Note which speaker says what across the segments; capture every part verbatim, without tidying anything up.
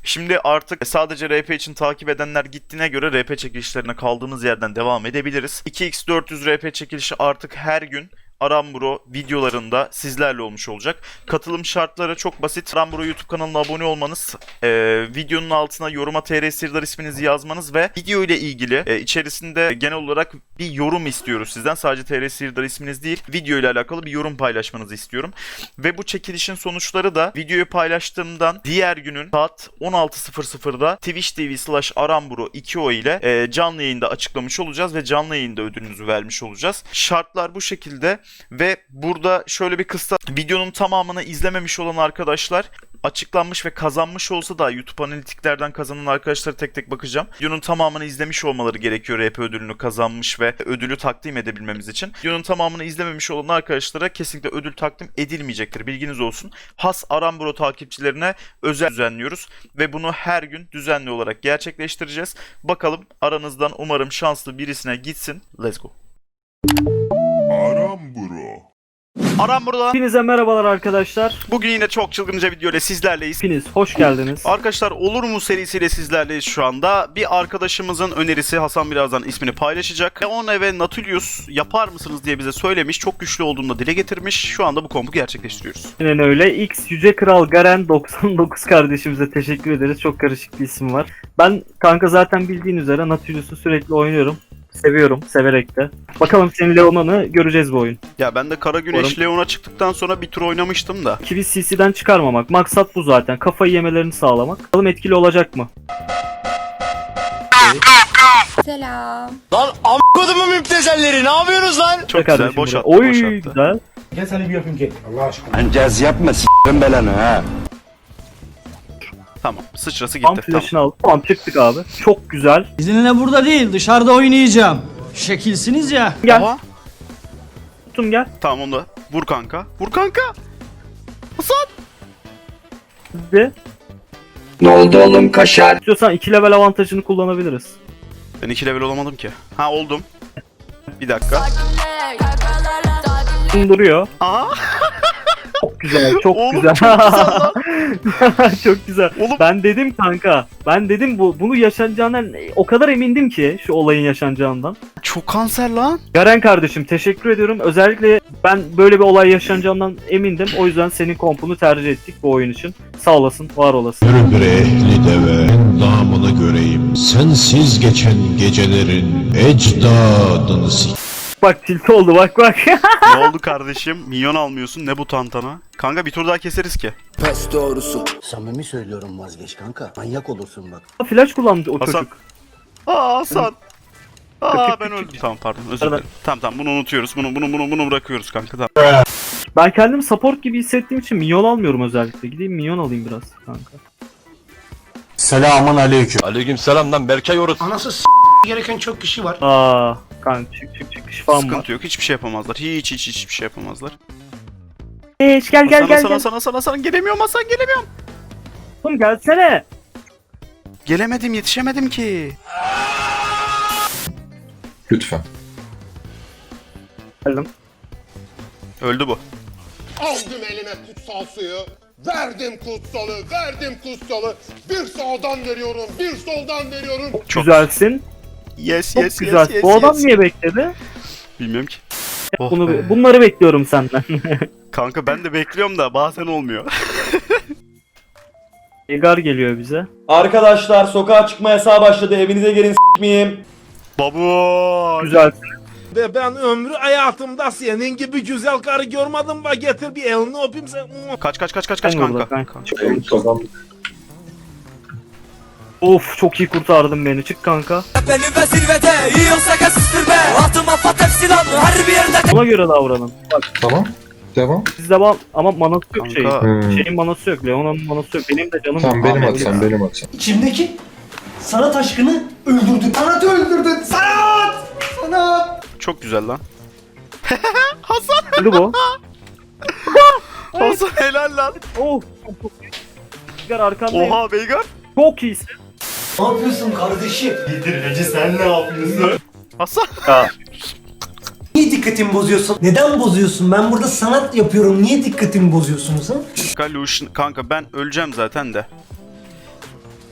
Speaker 1: Şimdi artık sadece R P için takip edenler gittiğine göre R P çekilişlerine kaldığımız yerden devam edebiliriz. iki x dört yüz R P çekilişi artık her gün Aramburo videolarında sizlerle olmuş olacak. Katılım şartları çok basit. Aramburo YouTube kanalına abone olmanız, e, videonun altına yoruma T R Sirdar isminizi yazmanız ve video ile ilgili e, içerisinde genel olarak bir yorum istiyoruz sizden. Sadece T R Sirdar isminiz değil, video ile alakalı bir yorum paylaşmanızı istiyorum. Ve bu çekilişin sonuçları da videoyu paylaştığımdan diğer günün saat on altı sıfır sıfırda Twitch T V slash Aramburo iki o ile e, canlı yayında açıklamış olacağız ve canlı yayında ödülünüzü vermiş olacağız. Şartlar bu şekilde. Ve burada şöyle bir kısa, videonun tamamını izlememiş olan arkadaşlar açıklanmış ve kazanmış olsa da YouTube analitiklerden kazanan arkadaşlara tek tek bakacağım. Videonun tamamını izlemiş olmaları gerekiyor R P ödülünü kazanmış ve ödülü takdim edebilmemiz için. Videonun tamamını izlememiş olan arkadaşlara kesinlikle ödül takdim edilmeyecektir. Bilginiz olsun. Has Aramburo takipçilerine özel düzenliyoruz ve bunu her gün düzenli olarak gerçekleştireceğiz. Bakalım aranızdan umarım şanslı birisine gitsin. Let's go.
Speaker 2: Aramburo.
Speaker 1: Aramburo'dan
Speaker 3: Hepinize merhabalar arkadaşlar.
Speaker 1: bugün yine çok çılgınca video ile sizlerleyiz.
Speaker 3: Hepiniz hoş geldiniz.
Speaker 1: Arkadaşlar Olur mu serisiyle sizlerleyiz şu anda. Bir arkadaşımızın önerisi, Hasan birazdan ismini paylaşacak. Leone ve Nautilus yapar mısınız diye bize söylemiş. Çok güçlü olduğunu da dile getirmiş. Şu anda bu kompu gerçekleştiriyoruz.
Speaker 3: Aynen öyle. X Yüce Kral Garen doksan dokuz kardeşimize teşekkür ederiz. Çok karışık bir isim var. Ben kanka zaten bildiğin üzere Nautilus'u sürekli oynuyorum. Seviyorum, severek de. Bakalım senin Leona'nı göreceğiz bu oyun.
Speaker 1: Ya ben de Kara Güneş
Speaker 3: Umarım...
Speaker 1: Leon'a çıktıktan sonra bir tur oynamıştım da.
Speaker 3: Kivi C C'den çıkarmamak. Maksat bu zaten. Kafayı yemelerini sağlamak. Bakalım etkili olacak mı?
Speaker 4: Selam.
Speaker 5: Lan a**kodumun müptezelleri ne yapıyorsunuz lan?
Speaker 1: Çok
Speaker 3: Kardeşim
Speaker 1: güzel, boş
Speaker 3: buraya.
Speaker 1: attı,
Speaker 3: Oy
Speaker 1: boş attı.
Speaker 3: güzel.
Speaker 6: Gel seni bir öpeyim gel. Allah aşkına.
Speaker 5: Lan caz yapma s**rim belanı ha.
Speaker 1: Tamam, sıçrası
Speaker 3: Tam
Speaker 1: gitti.
Speaker 3: flash'ını
Speaker 1: Tamam.
Speaker 3: aldık. Tamam çıktık abi. Çok güzel.
Speaker 7: Sizinle burada değil, dışarıda oynayacağım. Şekilsiniz ya.
Speaker 3: Gel.
Speaker 1: Aha,
Speaker 3: Tuttum gel.
Speaker 1: tamam onu da. Vur kanka. Vur kanka. Hasan.
Speaker 3: Hadi.
Speaker 5: Ne oldu oğlum kaşar?
Speaker 3: İstiyorsan iki level avantajını kullanabiliriz.
Speaker 1: Ben iki level olamadım ki. Ha oldum. Bir dakika.
Speaker 3: Duruyor.
Speaker 1: Aha.
Speaker 3: Çok güzel, çok
Speaker 1: Oğlum,
Speaker 3: güzel.
Speaker 1: çok güzel lan.
Speaker 3: Çok güzel.
Speaker 1: Oğlum.
Speaker 3: Ben dedim kanka. Ben dedim bu bunu yaşanacağından o kadar emindim ki şu olayın yaşanacağından.
Speaker 1: Çok kanser lan.
Speaker 3: Garen kardeşim teşekkür ediyorum. Özellikle ben böyle bir olay yaşanacağından emindim. O yüzden senin kompunu tercih ettik bu oyun için. Sağ olasın, var olasın.
Speaker 2: Yürü bre ehli deve, namını göreyim. Sensiz geçen gecelerin ecdadını s***.
Speaker 3: Bak tilt oldu bak bak.
Speaker 1: Ne oldu kardeşim? Minyon almıyorsun. Ne bu tantana? Kanka bir tur daha keseriz ki.
Speaker 5: Pes doğrusu.
Speaker 6: Samimi söylüyorum vazgeç kanka. Manyak olursun bak.
Speaker 3: Flash kullandı o
Speaker 1: Hasan.
Speaker 3: çocuk.
Speaker 1: Aa Hasan. Aa
Speaker 3: Küçük,
Speaker 1: ben
Speaker 3: küçük.
Speaker 1: öldüm. Tamam pardon özür
Speaker 3: Pardon.
Speaker 1: dilerim. Tamam tamam bunu unutuyoruz. Bunu bunu bunu bunu bırakıyoruz kanka tamam.
Speaker 3: Ben kendimi support gibi hissettiğim için minyon almıyorum özellikle. Gideyim minyon alayım biraz kanka.
Speaker 6: Selamun aleyküm.
Speaker 5: Aleykümselam lan Berkay orası.
Speaker 6: Anası s*** gereken çok kişi var.
Speaker 3: Aa kanka çık çık çık şifam var.
Speaker 1: Sıkıntı yok. Hiçbir şey yapamazlar. Hiç hiç hiçbir şey yapamazlar.
Speaker 3: Eş gel gel
Speaker 1: Hasan
Speaker 3: gel
Speaker 1: Hasan
Speaker 3: gel.
Speaker 1: Hasan Hasan Hasan gelemiyorum Hasan gelemiyorum.
Speaker 3: Oğlum gelsene.
Speaker 1: Gelemedim yetişemedim ki.
Speaker 2: Lütfen.
Speaker 3: Geldim.
Speaker 1: Öldü bu.
Speaker 8: Aldım elime kutsal suyu, verdim kutsalı, verdim kutsalı. Bir sağdan veriyorum, bir soldan veriyorum.
Speaker 1: Çok
Speaker 3: Güzelsin.
Speaker 1: Yes
Speaker 3: Çok
Speaker 1: yes
Speaker 3: güzel.
Speaker 1: yes yes.
Speaker 3: Bu adam
Speaker 1: yes.
Speaker 3: niye bekledi?
Speaker 1: Bilmiyorum ki. Oh
Speaker 3: Bunu
Speaker 1: be.
Speaker 3: bunları bekliyorum senden.
Speaker 1: Kanka ben de bekliyorum da bazen olmuyor.
Speaker 3: Egar geliyor bize.
Speaker 9: Arkadaşlar sokağa çıkma yasağı başladı. Evinize gelin s**meyim.
Speaker 1: Babu.
Speaker 3: Güzelsin.
Speaker 10: Ve ben ömrü hayatımda senin gibi güzel karı görmedim ve getir bir elini öpeyim sen.
Speaker 1: Kaç kaç kaç kaç kaç
Speaker 3: Ben
Speaker 1: kanka.
Speaker 3: burada, ben-
Speaker 1: Kanka.
Speaker 3: Of çok iyi kurtardın beni. Çık kanka.
Speaker 5: Benim ve zirvede yiyorsa kesistir be. Altıma patek silahlı her bir yerde.
Speaker 3: Ona göre davranın. Bak
Speaker 2: Tamam. Devam.
Speaker 3: sizde var ama manası yok
Speaker 1: Kanka.
Speaker 3: şeyin.
Speaker 2: Hmm.
Speaker 3: Şeyin manası yok. Leona'nın manası yok. Benim de canım.
Speaker 2: Tamam benim
Speaker 3: Ahmet
Speaker 2: atsam
Speaker 3: ya.
Speaker 2: benim atsam.
Speaker 7: İçimdeki sanat aşkını öldürdün. Sanatı öldürdün. Sanat! Sanat!
Speaker 1: Çok güzel lan.
Speaker 3: Öldü bu.
Speaker 1: Hasan helal lan.
Speaker 3: Oh. Çok çok iyi. Egar arkandayım.
Speaker 1: Oha Veigar.
Speaker 3: Çok iyisin.
Speaker 7: Ne yapıyorsun kardeşim? Yedirmeci sen ne yapıyorsun?
Speaker 1: Hasan.
Speaker 3: Ya.
Speaker 7: Niye dikkatimi bozuyorsun? Neden bozuyorsun? Ben burada sanat yapıyorum. Niye dikkatimi bozuyorsunuz ha?
Speaker 1: Kanka Lucian kanka ben öleceğim zaten de.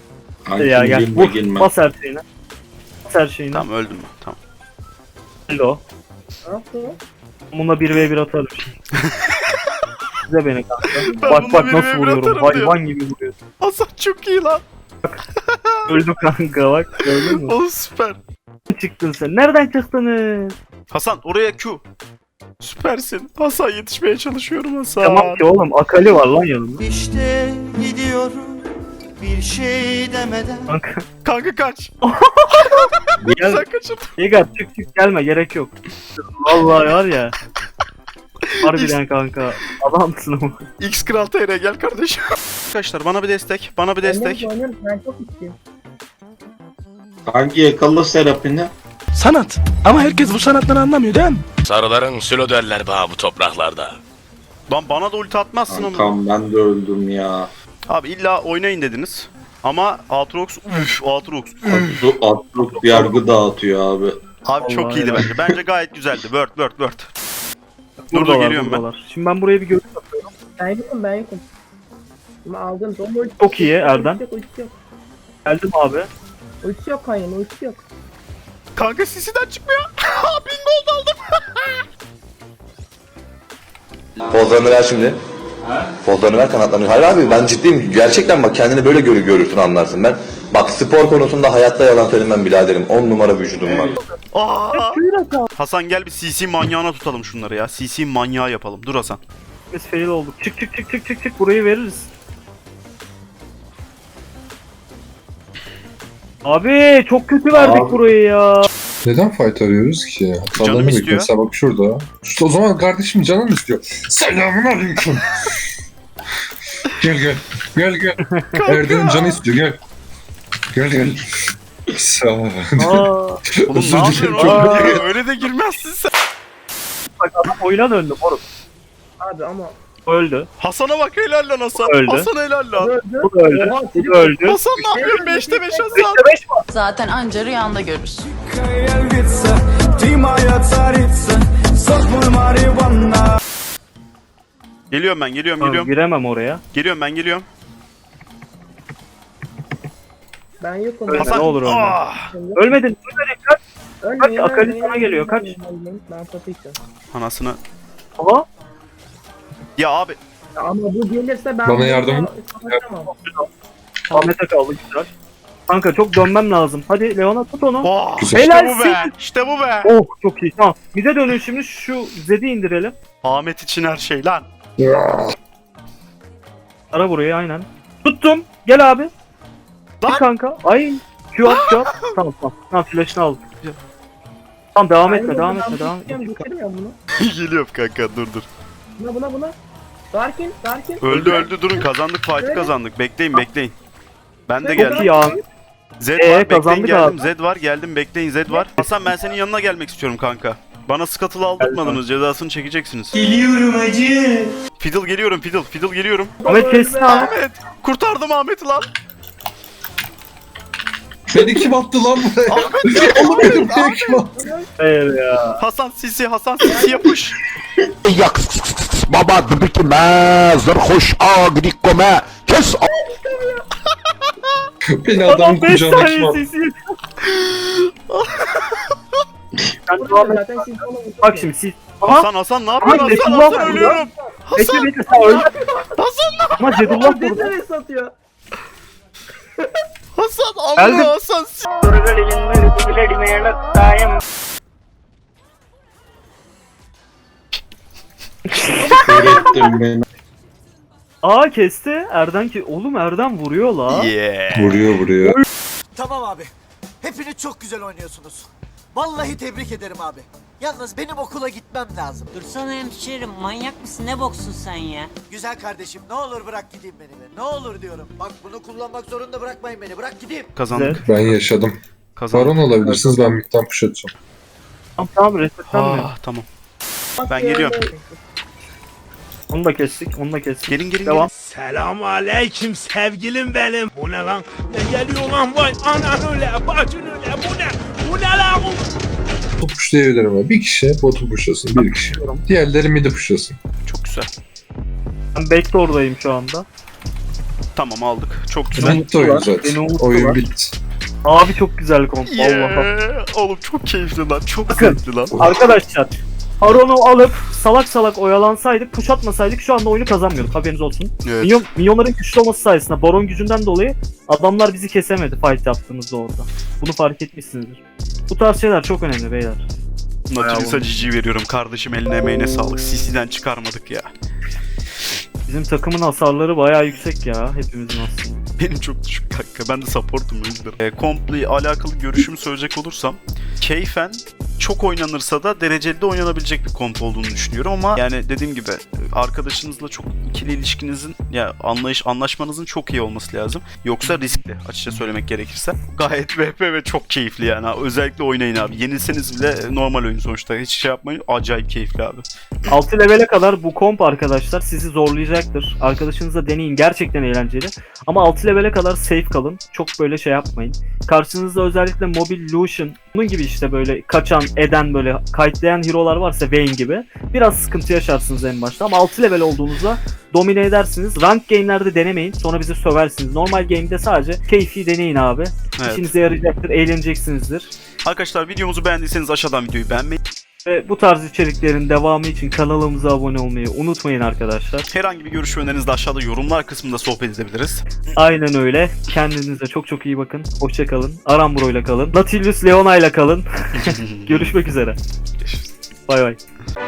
Speaker 3: Ya gel vur. Bas her şeyine. Bas her şeyine.
Speaker 1: Tamam öldüm ben. Tamam.
Speaker 3: Hello. Bununla bir ve bir atarım şimdi. Size beni kanka.
Speaker 1: Ben
Speaker 3: Bak
Speaker 1: bununla
Speaker 3: bak
Speaker 1: bir
Speaker 3: nasıl
Speaker 1: ve bir
Speaker 3: vuruyorum.
Speaker 1: atarım
Speaker 3: Hayvan gibi vuruyorsun.
Speaker 1: Hasan çok iyi lan.
Speaker 3: Öldü kanka bak. Gördün mü?
Speaker 1: O süper.
Speaker 3: Çıktın sen. Nereden çıktınız?
Speaker 1: Hasan oraya Q. Süpersin. Hasan yetişmeye çalışıyorum Hasan.
Speaker 3: Tamam ki oğlum. Akali var lan yanımda.
Speaker 5: İşte gidiyorum bir şey demeden.
Speaker 3: Kanka.
Speaker 1: Kanka kaç.
Speaker 3: Gel.
Speaker 1: Sen kaçın.
Speaker 3: Yegat çık çık gelme. Gerek yok. Vallahi var ya. Harbiden kanka. Adamsın ama.
Speaker 1: X Kral T R gel kardeşim. Arkadaşlar bana bir destek. Bana bir destek.
Speaker 2: Hangi yakalı serapini?
Speaker 10: Sanat. Ama herkes bu sanattan anlamıyor değil mi?
Speaker 11: Sarıların sülo derler bana bu topraklarda.
Speaker 1: Lan bana da ulti atmazsın ama.
Speaker 2: Kankam ben de öldüm ya.
Speaker 1: Abi illa oynayın dediniz. Ama Aatrox üf Aatrox.
Speaker 2: Atlı atlık bir yargı dağıtıyor abi.
Speaker 1: Abi çok
Speaker 3: Vallahi
Speaker 1: iyiydi
Speaker 3: helal.
Speaker 1: bence. Bence gayet güzeldi. Word word word. Dur dur
Speaker 3: Buradalar,
Speaker 1: geliyorum ben.
Speaker 3: buradalar. Şimdi ben buraya bir görüş atıyorum.
Speaker 12: Ben yokum ben yokum. Ama aldım.
Speaker 3: Çok iyi Erdem.
Speaker 12: Ultisi yok, ultisi yok.
Speaker 3: Geldim abi.
Speaker 12: Ultisi yok Kanya'nın, ultisi yok.
Speaker 1: Kanka sisi'den çıkmıyor. Bingo oldu aldım.
Speaker 11: Pozlarını ver şimdi. Pozlarını ver, kanatlarını. Hayır abi ben ciddiyim. Gerçekten bak kendini böyle görü görürsün anlarsın. Ben bak spor konusunda hayatta yalan söylemem biraderim. on numara vücudum var.
Speaker 1: Aa! Hasan gel bir C C manyağına tutalım şunları ya. C C manyağı yapalım. Dur Hasan.
Speaker 3: Biz fail olduk. Çık çık çık çık çık çık. Burayı veririz. Abi çok kötü verdik
Speaker 2: Abi.
Speaker 3: burayı ya.
Speaker 13: Neden fight arıyoruz ki?
Speaker 1: Canım
Speaker 13: Hatalarını
Speaker 1: istiyor.
Speaker 13: bekle. Mesela bak şurada. İşte o zaman kardeşim canın istiyor. Selamun aleyküm. Gel gel. Gel gel. Erdem'in canı istiyor gel. Gel gel. Sağ ol.
Speaker 3: Aa,
Speaker 1: Oğlum
Speaker 13: Özür
Speaker 1: ne
Speaker 13: dilerim,
Speaker 1: yapıyorsun?
Speaker 13: çok
Speaker 1: Aa,
Speaker 13: kötü.
Speaker 1: öyle de girmezsin sen.
Speaker 3: bak adam oyuna döndü moruk.
Speaker 12: Abi ama
Speaker 3: Öldü.
Speaker 1: Hasan'a bak helal lan Hasan.
Speaker 3: Öldü.
Speaker 1: Hasan helal lan.
Speaker 12: öldü.
Speaker 3: Bu da öldü.
Speaker 12: Oha,
Speaker 3: Bu da öldü.
Speaker 1: Hasan ne yapıyorsun? beşte beş Hasan.
Speaker 3: beşte beş mi?
Speaker 4: Zaten anca rüyanda görürsün.
Speaker 1: Geliyorum ben geliyorum
Speaker 3: Tamam,
Speaker 1: geliyorum.
Speaker 3: giremem oraya.
Speaker 1: Geliyorum ben geliyorum.
Speaker 12: Ben yokum.
Speaker 3: Ölme,
Speaker 1: Hasan.
Speaker 3: ne olur ölme.
Speaker 1: Ah!
Speaker 3: Ölmedin. Ölmedin. Kaç.
Speaker 12: Ölmeyin,
Speaker 3: Kaç, Akali
Speaker 12: ölmeyin,
Speaker 3: sana geliyor, kaç.
Speaker 12: ölmeyin, ölmeyin. Ben satayım.
Speaker 1: Anasını.
Speaker 3: Aha.
Speaker 1: Ya abi.
Speaker 12: Ama bu gelirse ben...
Speaker 13: Bana
Speaker 12: bunu
Speaker 13: yardım-
Speaker 12: kapatamam.
Speaker 3: Ahmet'e kaldı güzel. Kanka çok dönmem lazım. Hadi Leon'a tut onu.
Speaker 1: Oh,
Speaker 13: Güzel.
Speaker 1: işte bu
Speaker 3: Helalsin.
Speaker 1: be. İşte bu be.
Speaker 3: Oh çok iyi. Tamam. Bize dönün şimdi şu Zed'i indirelim.
Speaker 1: Ahmet için her şey lan.
Speaker 3: Ara burayı aynen. Tuttum. Gel abi.
Speaker 1: Lan.
Speaker 3: Lan kanka. Ay. Q at Q at. Tamam tamam. Tamam flash'ını aldım. Tamam devam
Speaker 12: Ben
Speaker 3: etme
Speaker 12: yokum,
Speaker 3: devam
Speaker 12: ben
Speaker 3: etme devam
Speaker 12: tutacağım,
Speaker 3: etme.
Speaker 12: geçirmiyorum bunu.
Speaker 1: Geliyorum kanka dur dur.
Speaker 12: Buna buna buna. Darkin, Darkin.
Speaker 1: Öldü öldü durun kazandık fight'ı kazandık. Bekleyin bekleyin. Ben de
Speaker 12: Çok
Speaker 1: geldim.
Speaker 3: Çok iyi abi.
Speaker 1: Z
Speaker 3: Ee,
Speaker 1: var bekleyin
Speaker 3: kazandık
Speaker 1: geldim.
Speaker 3: abi.
Speaker 1: Z var geldim bekleyin Z var. Hasan ben senin yanına gelmek istiyorum kanka. Bana skatılı aldırtmadınız cezasını çekeceksiniz.
Speaker 7: Geliyorum hacı.
Speaker 1: Fiddle geliyorum Fiddle Fiddle geliyorum.
Speaker 3: Ahmet kessin abi.
Speaker 1: Ahmet kurtardım Ahmet'i lan.
Speaker 13: Beni kim attı lan buraya?
Speaker 1: Ahmet
Speaker 13: Oğlum beni buraya kim attı?
Speaker 3: Hayır ya.
Speaker 1: Hasan Sisi Hasan Sisi yapış.
Speaker 11: Yak baba dıbıkime zırhoş agrikome kes
Speaker 13: Beni adam
Speaker 3: Adam beş
Speaker 13: kucağına kim
Speaker 3: saniye
Speaker 13: attı?
Speaker 3: sesi. Sen devam et.
Speaker 12: Zaten siz onu
Speaker 3: Bak şimdi siz. Aha.
Speaker 1: Hasan Hasan ne yapıyorsun
Speaker 3: Aha,
Speaker 1: Hasan
Speaker 3: Zedullah
Speaker 1: Hasan
Speaker 3: var
Speaker 1: ölüyorum.
Speaker 3: Bekle
Speaker 1: Hasan
Speaker 3: bekle sen öldün.
Speaker 1: Hasan ne
Speaker 3: Ama Zedullah burada.
Speaker 12: Nereye satıyor?
Speaker 1: Hasan
Speaker 3: Geldim.
Speaker 1: Allah Hasan.
Speaker 2: Öğrettin beni.
Speaker 3: Aa kesti. Erden ki oğlum Erden vuruyor la.
Speaker 1: Yeah.
Speaker 13: Vuruyor vuruyor.
Speaker 5: Tamam abi. Hepiniz çok güzel oynuyorsunuz. Vallahi tebrik ederim abi. Yalnız benim okula gitmem lazım.
Speaker 4: Dursana hemşerim, manyak mısın, ne boksun sen ya?
Speaker 5: Güzel kardeşim ne olur bırak gideyim beni be. Ne olur diyorum. Bak bunu kullanmak zorunda bırakmayın beni. Bırak gideyim.
Speaker 1: Kazandık.
Speaker 13: Ben yaşadım.
Speaker 1: Kazandık.
Speaker 13: Baron olabilirsiniz ben midden push atacağım.
Speaker 3: Tamam tamam resetlenmiyor.
Speaker 1: Ah tamam. Ben geliyorum.
Speaker 3: Onu da kestik. Onu da kestik.
Speaker 1: Gelin gelin
Speaker 3: Devam.
Speaker 10: Selam aleyküm sevgilim benim. Bu ne lan? Ne geliyor lan vay anan öyle bacın öyle bu ne? Bu ne lan?
Speaker 13: Botu pushlayabilirim abi. Bir kişi botu pushlasın. Bir kişi. Diğerleri midi pushlasın.
Speaker 1: gelin. Çok güzel.
Speaker 3: Ben backdoor'dayım şu anda.
Speaker 1: Tamam aldık. Çok güzel.
Speaker 13: Ben mutlu oyun
Speaker 3: Beni
Speaker 13: zaten.
Speaker 3: unuttular.
Speaker 13: Oyun bitti.
Speaker 3: Abi çok güzel komp. Allah'a.
Speaker 1: Yeah. Oğlum çok keyifli lan. Çok
Speaker 3: Bakın.
Speaker 1: zevkli lan.
Speaker 3: Arkadaşlar Baron'u alıp salak salak oyalansaydık, push atmasaydık şu anda oyunu kazanmıyorduk, haberiniz olsun.
Speaker 1: Evet.
Speaker 3: Minyon, minyonların güçlü olması sayesinde Baron gücünden dolayı adamlar bizi kesemedi fight yaptığımızda orada. Bunu fark etmişsinizdir. Bu tarz şeyler çok önemli beyler.
Speaker 1: Nautilus'a cici veriyorum. Kardeşim eline emeğine sağlık. C C'den çıkarmadık ya.
Speaker 3: Bizim takımın hasarları bayağı yüksek ya, hepimizin aslında.
Speaker 1: Benim çok düşük kanka. Ben de supportum o yüzden. E, Comp'le alakalı görüşümü söyleyecek olursam keyfen çok oynanırsa da dereceli de oynanabilecek bir komp olduğunu düşünüyorum ama yani dediğim gibi arkadaşınızla çok ikili ilişkinizin ya anlayış anlaşmanızın çok iyi olması lazım. Yoksa riskli açıkça söylemek gerekirse. Gayet V P ve çok keyifli yani. Özellikle oynayın abi. Yenilseniz bile normal oyun sonuçta. Hiç şey yapmayın. Acayip keyifli abi.
Speaker 3: altı levele kadar bu komp arkadaşlar sizi zorlayacaktır. Arkadaşınızla deneyin, gerçekten eğlenceli. Ama altı levele kadar safe kalın. Çok böyle şey yapmayın. Karşınızda özellikle Mobil Lucian, bunun gibi işte böyle kaçan, eden, böyle kayıtlayan hero'lar varsa Vayne gibi biraz sıkıntı yaşarsınız en başta. Ama altı level olduğunuzda domine edersiniz. Rank game'lerde denemeyin. Sonra bizi söversiniz. Normal game'de sadece keyfi deneyin abi.
Speaker 1: Evet.
Speaker 3: İşinize yarayacaktır, eğleneceksinizdir.
Speaker 1: Arkadaşlar videomuzu beğendiyseniz aşağıdan videoyu beğenmeyi,
Speaker 3: Ve bu tarz içeriklerin devamı için kanalımıza abone olmayı unutmayın arkadaşlar.
Speaker 1: herhangi bir görüş ve önerinizi de aşağıda yorumlar kısmında sohbet edebiliriz.
Speaker 3: Aynen öyle. Kendinize çok çok iyi bakın. Hoşça kalın. Aramburo ile kalın. Nautilus Leona ile kalın. Görüşmek üzere. Bay bay.